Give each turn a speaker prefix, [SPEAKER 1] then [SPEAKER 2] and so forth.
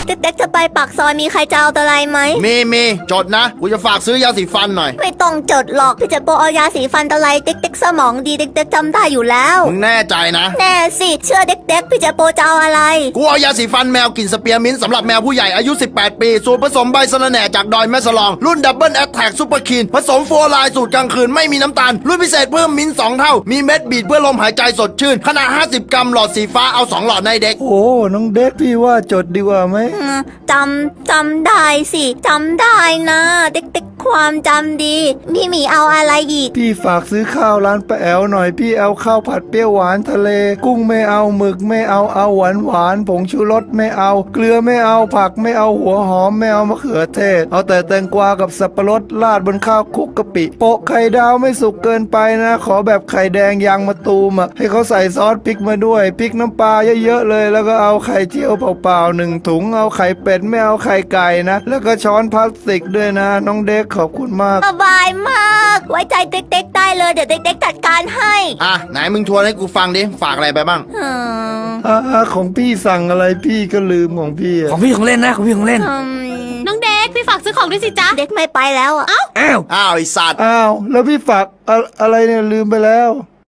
[SPEAKER 1] เด็กๆจะไปปากซอยมีใครจะเอาอะไรไหม
[SPEAKER 2] มีจดนะกูจะฝากซื้อยาสีฟันหน่อย
[SPEAKER 1] ไม่ต้องจดหรอกพี่เจโปเอายาสีฟันอะไรเด็กๆสมองดีเด็กๆจำได้อยู่แล้ว
[SPEAKER 2] มึงแน่ใจนะ
[SPEAKER 1] แน่สิเชื่อเด็กๆพี่เจโปจะเอาอะไร
[SPEAKER 2] กูเอายาสีฟันแมวกลิ่นสเปียร์มิ้นท์สำหรับแมวผู้ใหญ่อายุ18 ปีสูตรผสมใบสะระแหน่จากดอยแม่สลองรุ่นดับเบิลแอตแทกซุปเปอร์คีนผสมโฟร์ไลน์สูตรกลางคืนไม่มีน้ำตาลรุ่นพิเศษเพิ่มมิ้นท์2 เท่ามีเม็ดบีดเพื่อลมหายใจสดชื่นขนาด50 กรัมหลอดสีฟ้าเอา2 หลอดในเด็ก
[SPEAKER 3] โอ้น้องเด็กพี่ว่าจดดีกว่าไหม
[SPEAKER 1] จำได้สิจำได้นะเด็กๆความจำดีพี่หมีเอาอะไรอีก
[SPEAKER 3] พี่ฝากซื้อข้าวร้านป้าแอวหน่อยพี่เอาข้าวผัดเปรี้ยวหวานทะเลกุ้งไม่เอาหมึกไม่เอาหวานผงชูรสไม่เอาเกลือไม่เอาผักไม่เอาหัวหอมไม่เอามะเขือเทศเอาแต่แตงกวากับสับปะรดราดบนข้าวคลุกกะปิโปะไข่ดาวไม่สุกเกินไปนะขอแบบไข่แดงยางมะตูมให้เขาใส่ซอสพริกมาด้วยพริกน้ำปลาเยอะๆเลยแล้วก็เอาไข่เจียวเปล่าๆ1 ถุงเอาไข่เป็ดไม่เอาไข่ไก่นะแล้วก็ช้อนพลาสติกด้วยนะน้องเด็กขอบคุณมาก
[SPEAKER 1] สบายมากไว้ใจเด็กๆได้เลยเดี๋ยวเด็กๆจัดการให้
[SPEAKER 2] ไหนมึงทวนให้กูฟังดิฝากอะไรไปบ้าง
[SPEAKER 3] ของพี่สั่งอะไรพี่ก็ลืมของพี่
[SPEAKER 4] ของพี่ของเล่นนะของพี่ของเล่น
[SPEAKER 5] น้องเด็กพี่ฝากซื้อของด้วยสิจ๊ะ
[SPEAKER 1] เด็กไม่ไปแล้ว
[SPEAKER 2] อ้าวไอสัตว์
[SPEAKER 3] แล้วพี่ฝากอะไรเนี่ยลืมไปแล้ว